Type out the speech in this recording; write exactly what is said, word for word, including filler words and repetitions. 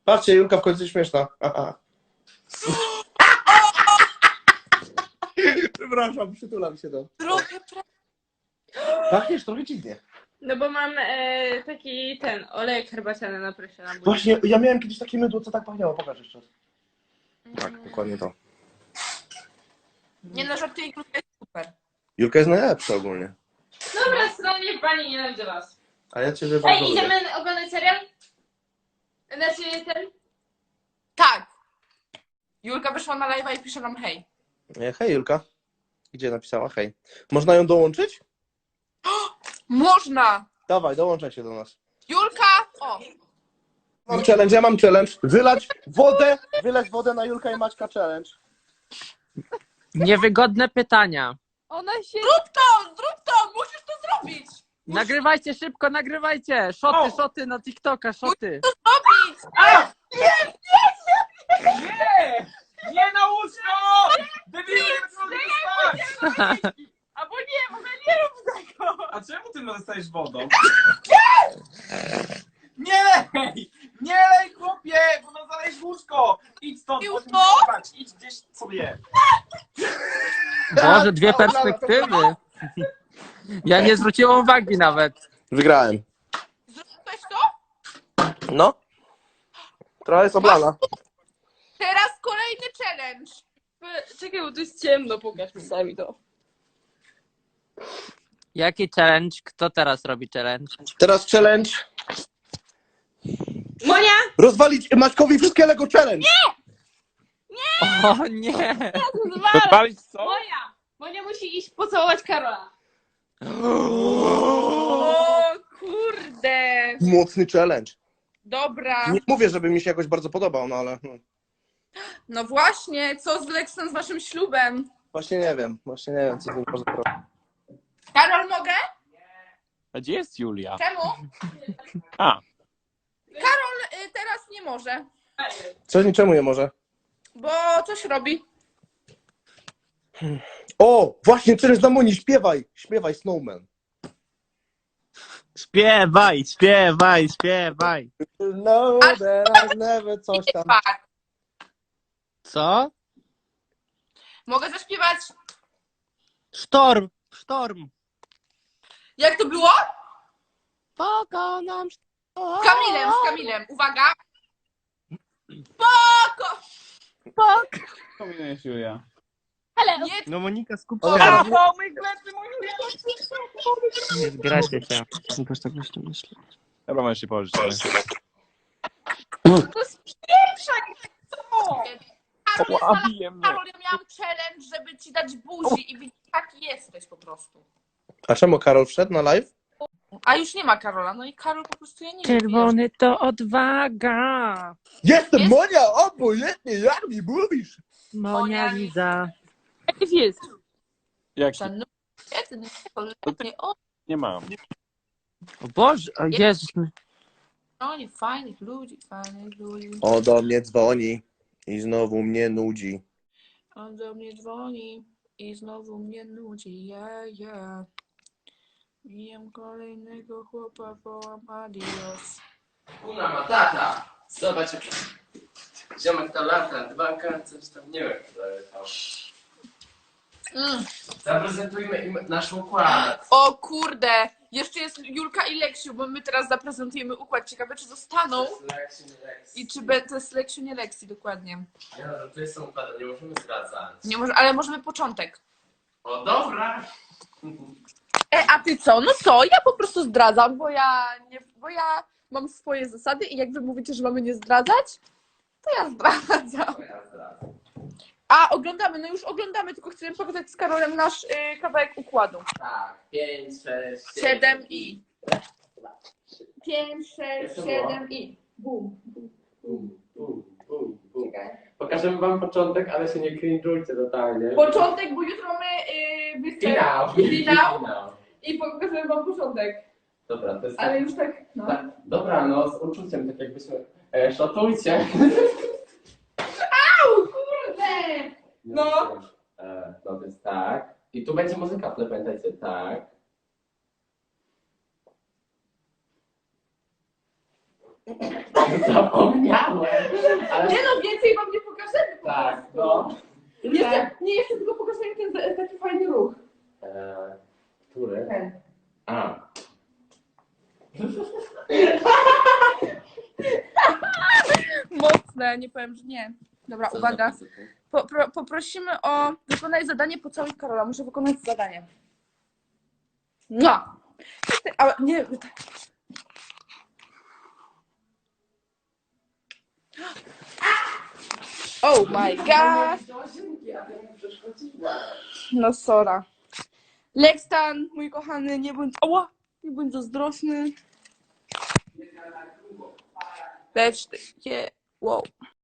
Patrzcie, Julka w końcu śmieszna. Aha. Przepraszam, przytulam się do... Trochę pra... Pachniesz trochę dziwnie. No bo mam e, taki ten olejek herbaciany na presie na buzi. Właśnie, ja miałem kiedyś takie mydło, co tak pachniało. Pokaż jeszcze raz. Tak, dokładnie to. Nie no, żartuję, Julka jest super. Julka jest najlepsza ogólnie. Dobra, stronie pani nienawidzę was. A ja ciebie bardzo Ej, lubię. idziemy oglądać serial? Znaczy ten? Tak. Julka wyszła na live'a i pisze nam hej. Nie, hej Julka. Gdzie napisała hej? Można ją dołączyć? Można! Dawaj, dołączaj się do nas. Julka! O! Mam challenge, ja mam challenge. Wylać wodę, wylać wodę na Julka i Maćka challenge. Niewygodne pytania. Ona się... Zrób to! Zrób to! Musisz to zrobić! Nagrywajcie szybko, nagrywajcie! Szoty, szoty na TikToka, szoty. Zrobić! Nie! Nie na łóżko! Debilu, nie mogę spać! Albo nie, w ogóle nie rób tego! A czemu ty dostajesz wodą? Nie lej! Nie lej, chłopie! Bo no zalejesz łóżko! Idź stąd, Już chodź mi to? spać. Idź gdzieś sobie. Boże, dwie perspektywy. Ja nie zwróciłem uwagi nawet. Wygrałem. Zrobiłeś to? No. Trochę jest oblana. Teraz kolejny challenge. Czekaj, bo tu jest ciemno, pokaż mi sami to. Jaki challenge? Kto teraz robi challenge? Teraz challenge. Monia! Rozwalić Maćkowi wszystkie Lego challenge. O nie! Podpalić co? Monia! Monia musi iść pocałować Karola. O kurde. Mocny challenge. Dobra. Nie mówię, żeby mi się jakoś bardzo podobał, no ale... no. No właśnie, co z Lexem z waszym ślubem? Właśnie nie wiem. Właśnie nie wiem, co z nim można zrobić. Karol, mogę? A gdzie jest Julia? Czemu? A. Karol y, teraz nie może, Coś niczemu nie może. bo coś robi. O! Właśnie challenge na Moni. Śpiewaj. Śpiewaj Snowman. Śpiewaj, śpiewaj, śpiewaj. No, that I've never coś tam. Tak. Co? Mogę zaśpiewać. Sztorm, sztorm. Jak to było? Pokonam sztorm. Z Kamilem, z Kamilem. Uwaga. Spoko! Pominujesz Julia. Hello! Nie, No Monika, skup O, się. dobra. mój plecy, mój Nie zgrajcie się. Też tak myślę, myślę. Dobra, możesz się położyć. to jest pierwsza. Co? Karol, Ła, bije mnie. Karol, ja miałam challenge, żeby ci dać buzi i widzisz, taki jesteś po prostu. A czemu Karol wszedł na live? A już nie ma Karola, no i Karol po prostu ja nie wiem. Czerwony to odwaga. Jestem Jest- Monia, obojętnie jak mi mówisz. Monia Liza. Jak jest? Jak? Szanowny, jedyny, kolejny, o, Nie mam. O Boże, o Jezus. oni fajnych ludzi, fajnych ludzi. O, do mnie dzwoni i znowu mnie nudzi. On do mnie dzwoni i znowu mnie nudzi, ja, ja. Mijam kolejnego chłopa, wołam adios. Una matata! Zobacz, jak ziomek to lata, dwa coś tam, nie wiem, ale to... Mm. Zaprezentujmy im nasz układ. O kurde, jeszcze jest Julka i Leksiu, bo my teraz zaprezentujemy układ. Ciekawe, czy zostaną Lexi, nie Lexi. i czy be, to jest Leksiu, nie Leksi, dokładnie. Nie no, że to jest układ, nie możemy zdradzać. Nie może, ale możemy początek. O, dobra! E, a ty co? No co? Ja po prostu zdradzam, bo ja nie, bo ja mam swoje zasady i jak wy mówicie, że mamy nie zdradzać, to ja zdradzam. To ja zdradzę. A, oglądamy, no już oglądamy, tylko chcemy pokazać z Karolem nasz y, kawałek układu. Tak, pięć, sześć, Siedem i... Pięć, sześć, Jak to siedem i... Bum. Bum, bum, bum, bum. Pokażemy wam początek, ale się nie cringe'ujcie totalnie. Początek, bo jutro mamy y, występ. Finał! Finał. Finał. I pokażemy wam początek. Dobra, to jest Ale już tak, no. tak. Dobra, no z uczuciem, tak jakbyśmy... E, szotujcie! Au, kurde! No. E, no to jest tak. I tu będzie muzyka, ale pamiętajcie, tak. Zapomniałem! Ale... Nie no, więcej wam nie pokażemy po Tak, prostu. no. Jeszcze, nie, jeszcze tylko pokażemy ten za- taki fajny ruch. Eee, który? Ten. A. Mocne, nie powiem, że nie. Dobra, Co uwaga. za fizyka? Po, pro, poprosimy o wykonaj zadanie pocałuj Karola. Muszę wykonać zadanie. No. Ale nie. Oh my god. No sora. Lekstan, mój kochany, nie bądź. Ała! Nie bądź zazdrosny. Lecz ty. Wow.